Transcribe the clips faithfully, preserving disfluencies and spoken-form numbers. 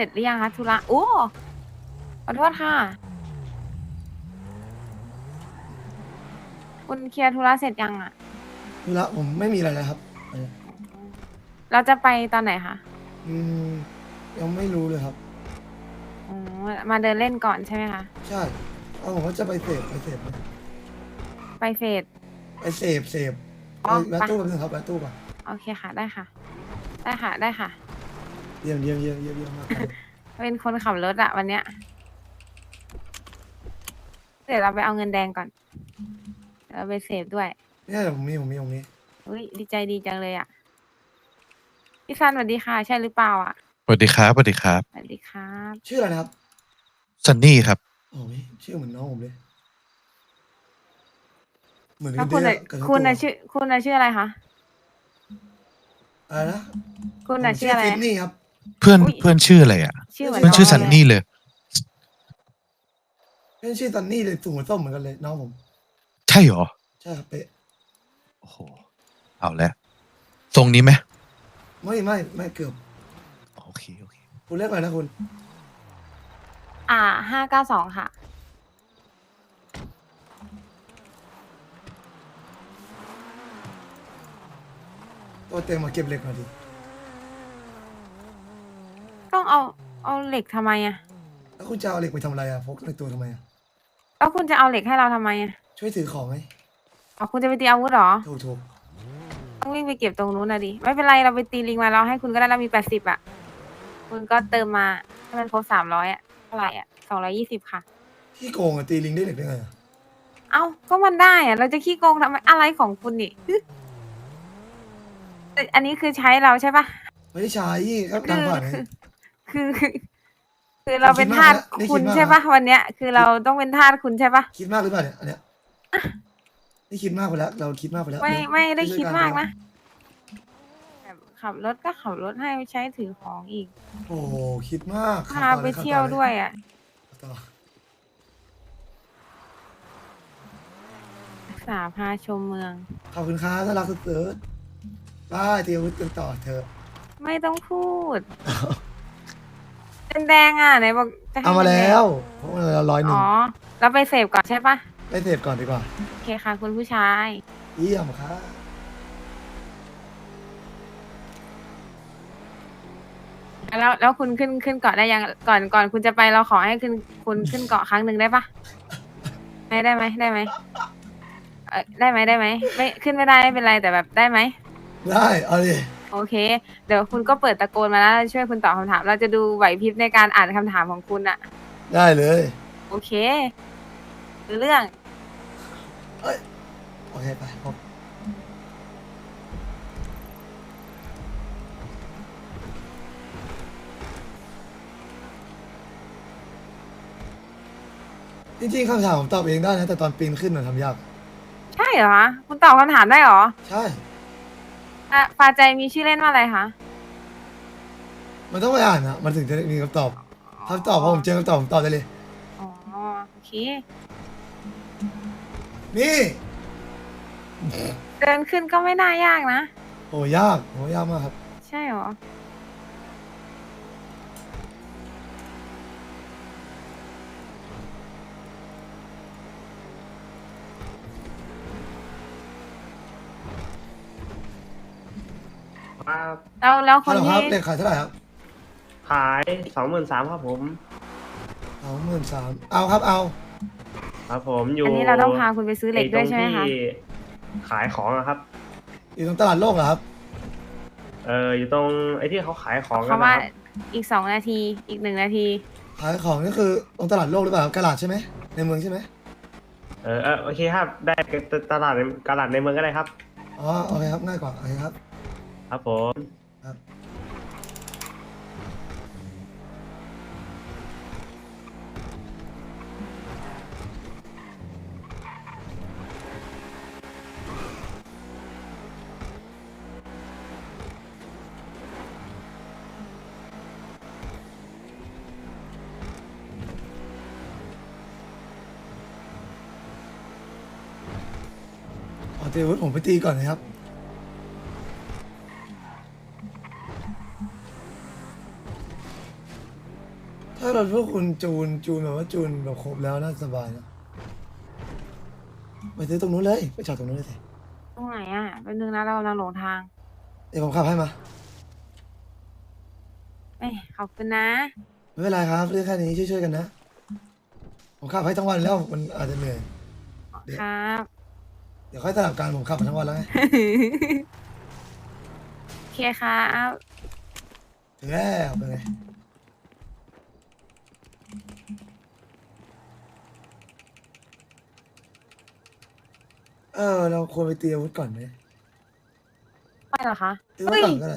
ร็จหรือยังคะธุระโอ้ขอโทษค่ะคุณเคลียร์ธุระเสร็จยังอ่ะธุระผมไม่มีอะไรเลยครับเออเราจะไปตอนไหนคะอืมยังไม่รู้เลยครับอ๋อมาเดินเล่นก่อนใช่ไหมคะใช่เอาผมว่าจะไปเสพไปเสพไหมไปเฟสไปเสพเสพไปอ๋อไปแวะตู้แป๊บนึงครับแวะตู้ป่ะโอเคค่ะได้ค่ะได้ค่ะได้ค่ะเยี่ยมเยี่ยมเยี่ยมเยี่ยมเยี่ยมมากครับเป็นคนขับรถอะวันเนี้ยเดี๋ยวเราไปเอาเงินแดงก่อนเดี๋ยวเราไปเสพด้วยเนี่ยเดี๋ยวผมมีผมมีผมมีอุ้ยดีใจดีจังเลยอะพี่ซันสวัสดีค่ะใช่หรือเปล่าอะสวัสดีครับสวัสดีครับสวัสดีครับชื่ออะไรนะครับซันนี่ครับโอ้ยชื่อเหมือนน้องผมเลยเหมือนกันเด้แล้วคุณอะอะกันทั้งคุณตัวอะชื่อคุณอะชื่ออะไรคะอะไรนะคุณผมชื่ออะชื่ออะไรซิดนีย์ครับเพื่อนอุ้ยเพื่อนชื่ออะไรอ่ะชื่อเหมือนเพื่อนชื่อซันน้องเลยนี่เลยเพื่อนชื่อซันนี่เลยสูงหัวส้มเหมือนกันเลยน้องผมใช่เหรอใช่ครับเป๊ะโอ้โหเอาแล้วทรงนี้ไหมไม่ไม่ไม่เกือบโอเคโอเคคุณเรียกอะไรนะคุณอ่าห้าเก้าสองค่ะตัวเต็มมาเก็บเหล็กหน่อยดิต้องเอาเอาเหล็กทำไมอะแล้วคุณจะเอาเหล็กไปทำอะไรอ่ะพกในตัวทำไมอ่ะแล้วคุณจะเอาเหล็กให้เราทำไมอะช่วยถือของไหมอ๋อคุณจะไปตีอาวุธเหรอถูกถูกต้องวิ่งไปเก็บตรงนู้นนะดิไม่เป็นไรเราไปตีลิงมาเราให้คุณก็ได้เรามีแปดสิบอะคุณก็เติมมาให้มันครบสามร้อยอะเท่าไหร่อะสองร้อยยี่สิบค่ะที่โกงอ่ะตีลิงได้เหล็กได้ไงอ่ะเอ้าก็มันได้อะเราจะขี้โกงทำไมอะไรของคุณนี่ฮึแต่อันนี้คือใช้เราใช่ปะไม่ได้ใช้ครับคือทางผ่านไงคือคือคือนี่เราเป็นทาสคิดมากนะนี่คุคิดมากนะณใช่ปะวันเนี้ยคือเราต้องเป็นทาสคุณใช่ปะคิดมากหรือเปล่าเนี่ยอันเนี้ยนี่คิดมากไปแล้วเราคิดมากไปแล้วไม่เร็วไม่ได้ช่วยคิดๆกันเร็วมากนะ แบบขับรถก็ขับรถให้ใช้ถือของอีกโอ้โหคิดมากขับพาต่อเลยขับไปเที่ต่อเลยยวด้วยอ่ะขับต่อศึกษาพาชมเมืองขอบคุณครับถ้ารักสุดๆบ้าเตียวกันต่อเถอะไม่ต้องพูดเป็นแดงอ่ะไหนบอกจะให้เอามาเป็นแดงแล้วเพราะมันละร้อยหนึ่อ๋องเราไปเสพก่อนใช่ปะไปเสพก่อนดีกว่าโอเคค่ะคุณผู้ชายเยี่ยมครับแล้วแล้วคุณขึ้นขึ้นเกาะได้ยังก่อนก่อนคุณจะไปเราขอให้ขึ้นคุณขึ้นเกาะครั้งหนึ่งได้ปะไม่ได้ไหมได้ไหมเออได้ไหมได้ไหมไม่ขึ้นไม่ได้ไม่เป็นไรแต่แบบได้ไหมได้เอาดิโอเค เดี๋ยวคุณก็เปิดตะโกนมาแล้วช่วยคุณตอบคำถาม เราจะดูไหวพริบในการอ่านคำถามของคุณอะได้เลยโอเครู้เรื่องเอ้ยโอเคไปพบจริงๆคำถามผมตอบเองได้นะแต่ตอนปีนขึ้นมันทำยากใช่เหรอคะคุณตอบคำถามได้เหรอใช่อ่ะปาใจมีชื่อเล่นว่าอะไรคะมันต้องไปอ่านนะมันถึงจะมีคำตอบคำตอบพอผมเจอคำตอบผมตอบได้เลยอ๋อโอเคนี่เดินขึ้นก็ไม่น่ายากนะโหยากโหยากมากครับใช่เหรอครับแล้วแล้วคฮัลนโหลคที่รับเลขขายเท่าไหร่ครับขายสองหมื่นสามครับผมสองหมื่นสามเอาครับเอาครับผมอยู่อันนี้เราต้องพาคุณไปซื้อเหล็กด้วยใช่ไหมคะอ้ตรงที่ขายของอะครับอยู่ตรงตลาดโลกเหรอครับเอออยู่ตรงไอ้ที่เขาขายของกันเขาว่านะครับอีกสองนาที อีกหนึ่งนาทีขายของนี่คือตรงตลาดโลกหรือเปล่าครับกระดาษใช่ไหมในเมืองใช่ไหมเออเออโอเคครับ ได้ตลาดในตลาดในเมืองก็ได้ครับอ๋อโอเคครับง่ายกว่าโอเคครับครับผมครับอ๋อเดี๋ยวผมไปตีก่อนนะครับารถพวกคุณจูนจูนแบบว่าจูนแบบครบแล้วน่าสบายนะไปซื้อตรงนู้นเลยไปจอดตรงนู้นเลยสิตรงไหนอ่ะเป็นนึงนะเรากำลังหลงทางเดี๋ยวผมขับให้มาเอ้ยขอบคุณนะไม่เป็นไรครับเรื่องแค่นี้ช่วยๆกันนะผมขับให้ทั้งวันแล้วมันอาจจะเหนื่อย เดี๋ยวครับเดี๋ยวค่อยสลับกันผมขับมาทั้งวันแล้วไงโอเคครับถึงแล้วเป็นไงเออเราควรไปเตรียมอาวุธก่อนไหมไปเหรอคะเตรียมไว้ก่อนก็ได้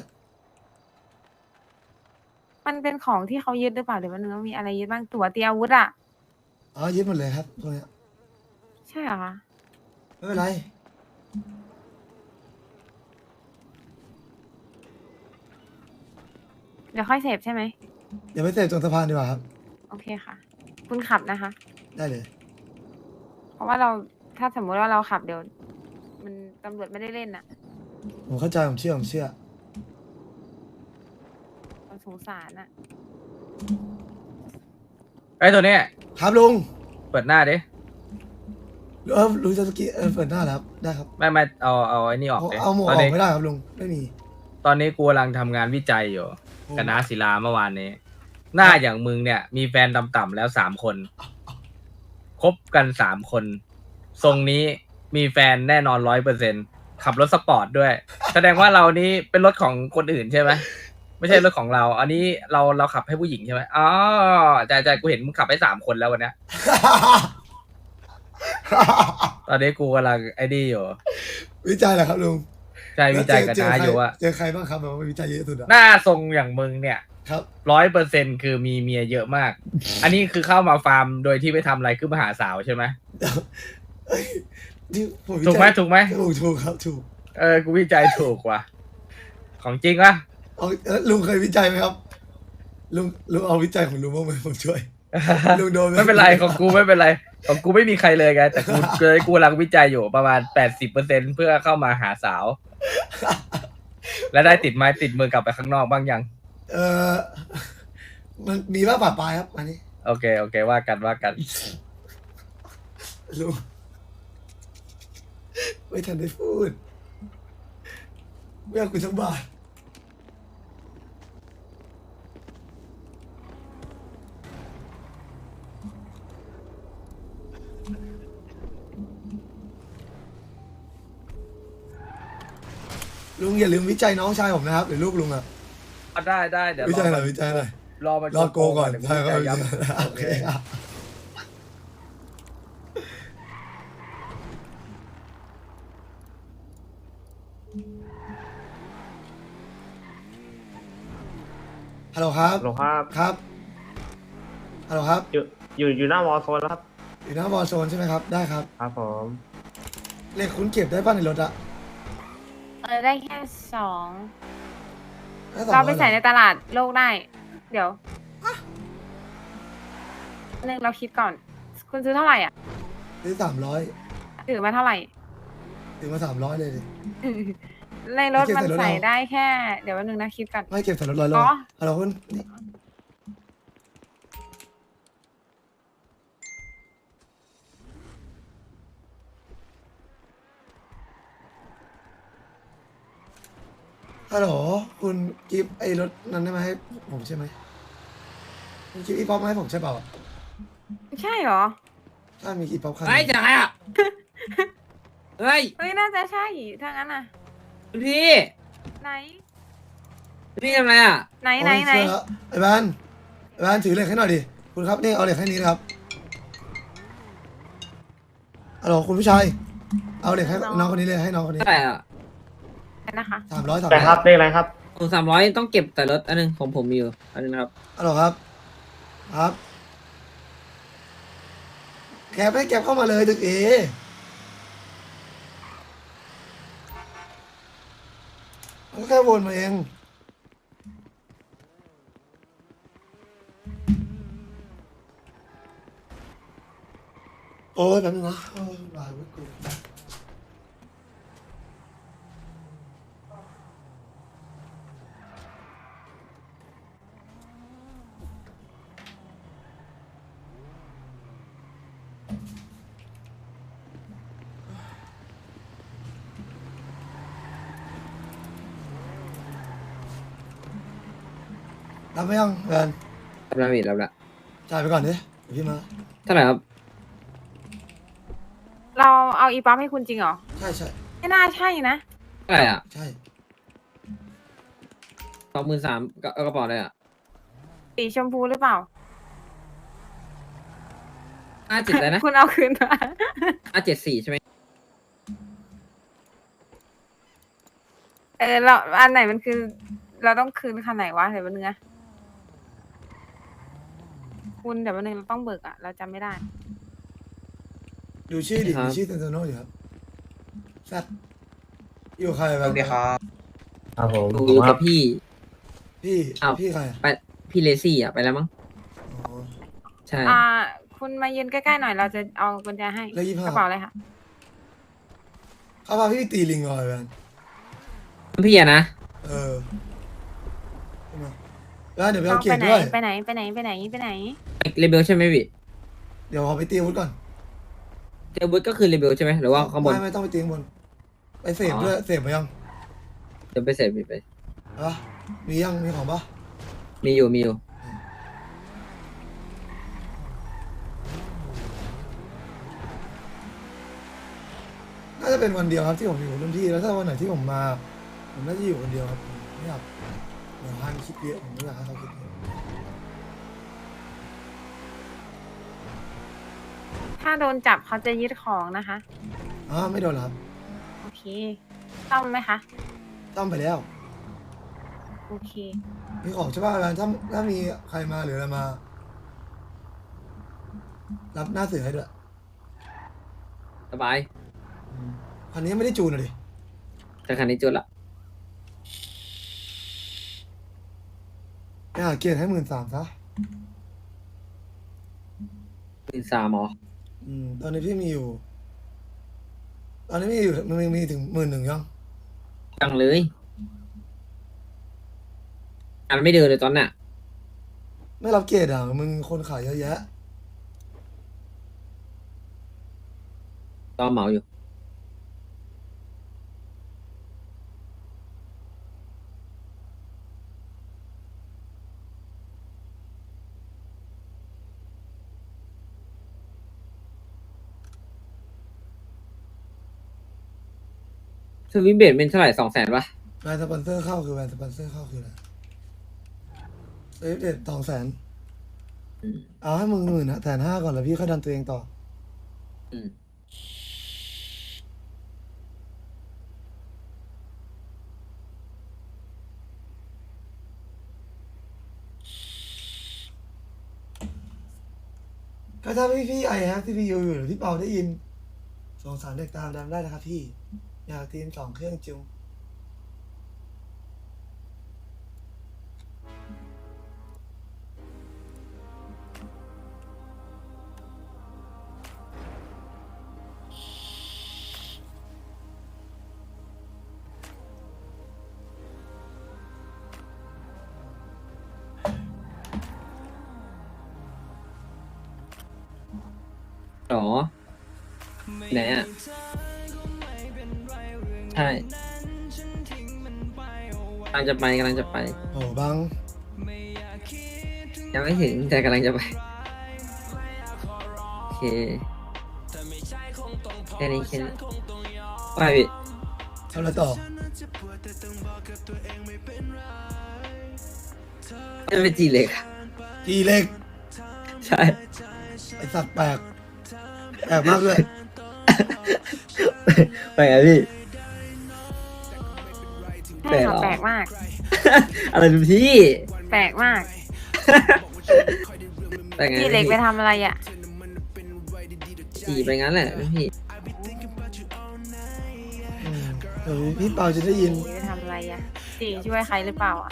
มันเป็นของที่เขายึดหรือเปล่าหรือว่าเนื้อมีอะไรยึดบ้างตั๋วเตรียมอาวุธอ่ะอ๋อยึดหมดเลยครับพวกเนี้ยใช่เหรอคะไม่เป็นไรเดี๋ยวค่อยเสพใช่ไหมเดี๋ยวไปเสพตรงสะพานดีกว่าครับโอเคค่ะ คุณขับนะคะได้เลยเพราะว่าเราถ้าสมมุติว่าเราขับเดี๋ยว มันตำรวจไม่ได้เล่นอ่ะผมเข้าใจผมเชื่อผมเชื่อเราสงสารอ่ะไอ้ตัวเนี้ยครับลุงเปิดหน้าดิเออลุงจะสกี้เออเปิดหน้าแล้วครับได้ครับไม่ไม่เอาเอาไอ้นี่ออกเอาดิเอาหมวกตออนอกนี้ไม่ได้ครับลุงไม่มีตอนนี้กูกำลังทำงานวิจัยอยู่กับน้าศิลาเมื่อวานนี้ หน้าอย่างมึงเนี่ย มีแฟนต่ำๆแล้วสามคนคบกันสามคน ทรงนี้มีแฟนแน่นอนร้อยเปอร์เซ็นขับรถสปอร์ตด้วย แสดงว่าเรานี้เป็นรถของคนอื่นใช่ไหมไม่ใช่รถของเรา อันนี้เราเราขับให้ผู้หญิงใช่ไหมอ๋อใช่ใช่กูเห็นมึงขับให้สามคนแล้ววันเนี้ย ตอนนี้กูกำลังไอ้นี่อยู่วิจัยเหรอครับลุงใช่วิจัยกับเจอน้าใครอยู่ว่าเจอใครบ้างครับแบบว่าวิจัยเยอะสุดอะหน้าทรงอย่างมึงเนี่ยครับร้อยเปอร์เซ็นคือมีเมียเยอะมาก อันนี้คือเข้ามาฟาร์มโดยที่ไม่ทำอะไรคือมาหาสาวใช่ไหมเอ้ยนี่ผมวิถูกไหมจัยถูกไหมถูกถูกครับถูกเออกูวิจัยถูกว่ะของจริงวะเอาเอ้ยลุงเคยวิจัยไหมครับลุงลุงเอาวิจัยของลุงบ้างไหมผมช่วย ลุงโดนไหมไม่เป็นไรของกูไม่เป็นไรของกูไม่มีใครเลยไงแต่กูเลยกูกำลังวิจัยอยู่ประมาณแปดสิบเปอร์เซ็นเพื่อเข้ามาหาสาว และได้ติดไม้ติดมือกลับไปข้างนอกบ้างยังเออมันมีบ้างป่าปลายครับอันนี้โอเคโอเคว่ากันว่ากันลุงไม่ทันได้พูดไม่เอาคุณสักบาทลุงอย่าลืมวิจัยน้องชายผมนะครับหรือลูกลุงอะได้ได้เดี๋ยววิจัยหน่อยรอวิจัยหน่อยรอมันรอโกก่อนเดี๋ยวกูใช่ครับวิจัยวิย้จัยำโอเคครับฮัลโหลครับหลวงครับครับฮัลโหลครับอยู่อยู่อยู่หน้าวอลโซนแล้วครับอยู่หน้าบอลโซนใช่ไหมครับได้ครับครับผมเลขคุณเก็บได้ป่ะในรถอะเออได้แค่สองด้สองเราอยไปใส่หในรอตลาดโลกได้ เดี๋ยวหนึ่งเราคิดก่อน คุณซื้อเท่าไหร่อ่ะซื้อสามร้อยถือมาเท่าไหร่ถึงมาสามร้อยเลยดิในรถเก็บมันใส่รถใส่เอาได้แค่ เดี๋ยววันหนึ่งนะคิดก่อนไม่เก็บใส่รถร้อยโลอ๋อฮัลโหลคุณนี่ฮัลโหลคุณกิฟต์ไอ้รถนั้นได้ไหมาให้ผมใช่ไหมคุณกิฟต์อีป๊อปมาให้ผมใช่เปล่าใช่เหรอถ้ามีอีป๊อปคันเฮ้ยจะใครอ่ะ เฮ้ยเฮ้ยน่าจะใช่ถ้างั้นอ่ะคุณพี่ไหนคุณพี่ทำอะไรอ่ะไหนไหนไหนโอ้ยเชื่อแล้วไอ้แบนไอ้แบนถือเหล็กให้หน่อยดิคุณครับนี่เอาเหล็กให้นี้นะครับฮัลโหลคุณผู้ชายเอาเหล็กให้น้องคนนี้เลยให้น้องคนนี้เท่าไหร่อ่ะนะคะสามร้อยสามแต่ร้อยครับเลขอะไรครับผมสามร้อยต้องเก็บแต่รถอันหนึงของผมมีอยู่อันนึงนะครับฮัลโหลครับ ครับแกไม่แกเข้ามาเลยตึกเอมันก็แค่วนมาเองโอ้ยแป๊บนึงนะโอ้ยลายไว้กูรับไหมยังแฟนรับแล้วพี่รับแล้วจ่ายไปก่อนดิเดี๋ยวพี่มาเท่าไหร่ครับเราเอาอีป๊อปให้คุณจริงเหรอใช่ใช่ไม่น่าใช่นะเท่าไหร่อ่ะใช่สองหมื่นสามกระเป๋าเลยอ่ะสีชมพูหรือเปล่าห้าเจ็ดเลยนะคุณเอาคืนมาห้าเจ็ดสี่ใช่ไหมเออเราอันไหนมันคือ เราต้องคืนคันไหนวะเดี๋ยววันนึงนะคุณเดี๋ยววันนึงเราต้องเบิกอะเราจำไม่ได้ดูชื่อดิดูชื่อเซนโซโนอยู่ครับแซดอยู่ใครแบบนี้ครับครับผมดูผมกัว่าบพี่พี่อ้าวพี่ใครอะไปพี่เลซี่อ่ะไปแล้วมั้งอ๋อใช่อ่า คุณมายืนใกล้ๆหน่อยเราจะเอากุญแจให้เลขยี่สิบห้ากระเป๋าเลยค่ะเขาพาพี่ไปตีลิงก่อนแฟนพี่อะนะเออใช่ไหมแล้วเดี๋ยวไปต้อเอางเกียไปรติไหนด้วยไปไหนไปไหนไปไหนไปไหนเรเบลใช่ไหมพี่เดี๋ยวขอไปตีอาวุธก่อนเรเบลก็คือเรเบลใช่ไหมหรือว่าข้างบนไม่ไม่ต้องไปตีข้างบนไปเสพอ๋อด้วยเสพมายังเดี๋ยวไปเสร็จไปฮะมียังมีของปะมีอยู่มีอยู่น่าจะเป็นวันเดียวครับที่ผมอยู่กับรุ่นพี่แล้วถ้าวันไหนที่ผมมาผมน่าจะอยู่คนเดียวครับผมไม่อยากเดี๋ยวฮันคิดเยอะผมไม่อยากให้เขาคิดเยอะถ้าโดนจับเขาจะยึดของนะคะอ๋อไม่โดนเหรอครับโอเคต้องไหมคะต้องไปแล้วโอเคมีของใช่ป่ะแฟนถ้าถ้ามีใครมาหรืออะไรมา รับหน้าเสือให้ด้วยสบายอืมคันนี้ไม่ได้จูนอะดิแต่คันนี้จุดละไปหาเกียรติให้หมื่นสามซะหมื่นสามหรออืมตอนนี้พี่มีอยู่ ตอนนี้มีอยู่มันมีถึงหมื่นหนึ่งยังจังเลยอันไม่เดินเลยตอนเนี้ยไม่รับเกียรติอ่ะมึงคนขายเยอะแยะตอนเหมาอยู่สวิมเบดเป็นเท่าไหร่สองแสนปะแบรนด์สปอนเซอร์เข้าคือแบรนด์สปอนเซอร์เข้าคืออะไรเอ้ยเด็ดสองแสนอืมเอาให้มึงหมื่นแสนห้าก่อนแล้วพี่ค่อยดันตัวเองต่ออืมก็ถ้าพี่พี่ไอแฮปที่พี่อยู่หรือพี่เปาได้ยินสงสารเด็กตามดำได้นะครับพี่ อยากทีมสองเครื่องจุงหรอไหนอ่ะ ใช่กำลังจะไปกำลังจะไปโอ้บังยังไม่ถึงแต่กำลังจะไป โอเคแค่นี้แค่นี้ไปพี่ทำอะไรต่อจะไปจีเล็กอะจีเล็กใช่ไอสัตว์แปลกแปลกมากเลยไปไงพี่ใช่ค่ะแปแปลลกกเหรอมากอะไรดูพี่แปลกมากไปไงพี่เล็กไปพี่ทำอะไรอ่ะจีไปงั้นแหละพี่อืมเดี๋ยวพี่เปาจะได้ยินพี่ไปทำอะไรอ่ะจีช่วยใครหรือเปล่าอ่ะ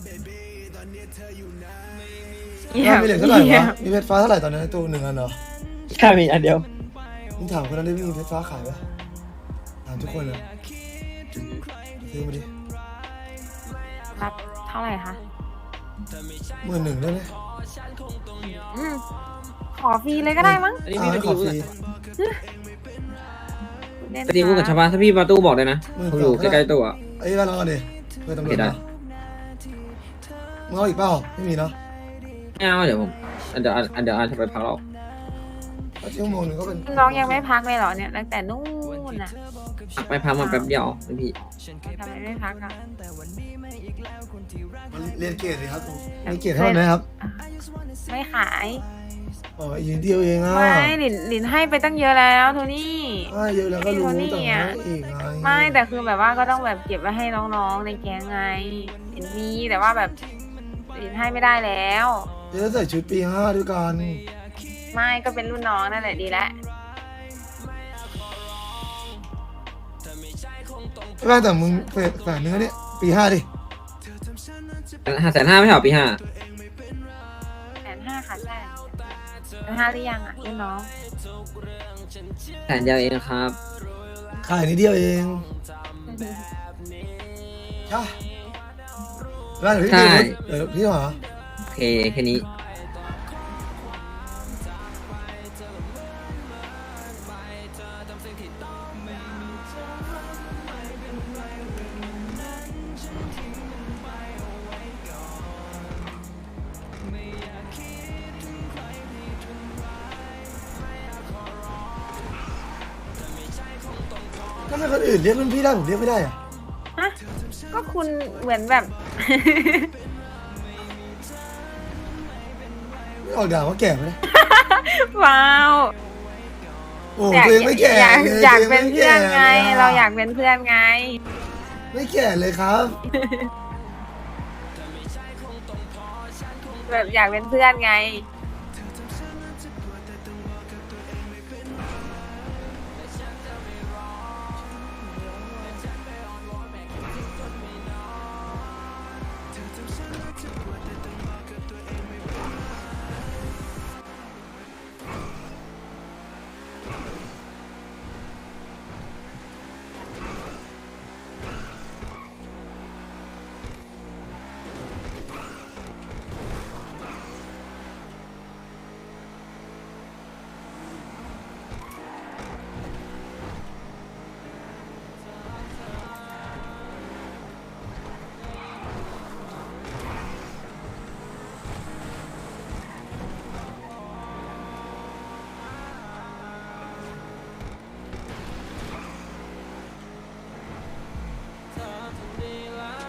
ว่ามีเหล็กเท่าไหร่ยี่ยวะมีเพชรฟ้าเท่าไหร่ตอนนี้นตัวหนึ่งอันเหรอแค่มีอันเดียวมึงถามคนนั้นได้มีเพชรฟ้าขายปะถามทุกคนเลยซื้อมาดิรับเท่าไหร่คะหมื่นหนึ่งได้ไหมอืมขอฟรีเลยก็ได้มั้งอันนี้เอาพี่ให้ไปขอฟตีรีเล่นไปตีพูดกับชาวบ้านถ้าพี่ประตูบอกเลยนะมือผมอยู่สองใกล้ๆตัวอะไอ้ยบ้านเราก่อนดิเพื่อนตำรวจโอเคได้มามึงเอาอีกเปล่าไม่มีเนาะไม่เอาเดี๋ยวผมอันเดี๋ยวอันเดี๋ยวอันจะไปพักเราเพราะชั่วโมงหนึงก็เป็นน้องยังไม่พักเลยเหรอเนี่ยตั้งแต่นู่นน่ะพักไปพักมาแป๊บเดียวพี่ทำไมไม่พักอ่ะเรียนเกรดเลยครับผมเรียนเกรดเท่าไหร่ครับไม่ขายอ๋ออีกนิดเดียวเองอ่ะไม่หลินหลินให้ไปตั้งเยอะแล้วโทนี่อ่าเยอะแล้วก็รู้พี่แต่โทนี่อะว่าอีกไงไม่แต่คือแบบว่าก็ต้องแบบเก็บไว้ให้น้องๆในแก๊งไงหลินมีแต่ว่าแบบหลินให้ไม่ได้แล้วเดี๋ยวใส่ชุดปีห้าด้วยกันไม่ก็เป็นรุ่นน้องนั่นแหละดีแล้วไม่ได้แต่มึงเฟดแฝงเนื้อเนี่ยปีห้าดิห้าแสนห้าไม่ใช่หรอปีห้าแสนห้าค่ะใช่แสนห้าหรือยังอ่ะรุ่นน้องแสนเดียวเองครับขายนิดเดียวเองใช่แล้วเดี๋ยวพี่ใช่ดูเดี๋ยวพี่หาโอเคแค่นี้ก็ไม่คนอื่นเรียกรุ่นพี่ได้ผมเรียกไม่ได้อะฮะก็คุณเหมือนแบบไม่ออกด่าว่าแก่ไหมเนี่ยว้าวโอ้ตัวเองไม่แก่อยากเลยอยากตัวเป็นงไม่เพื่อนไงแก่ลเราอยากเป็นเพื่อนไงไม่แก่เลยครับแบบอยากเป็นเพื่อนไง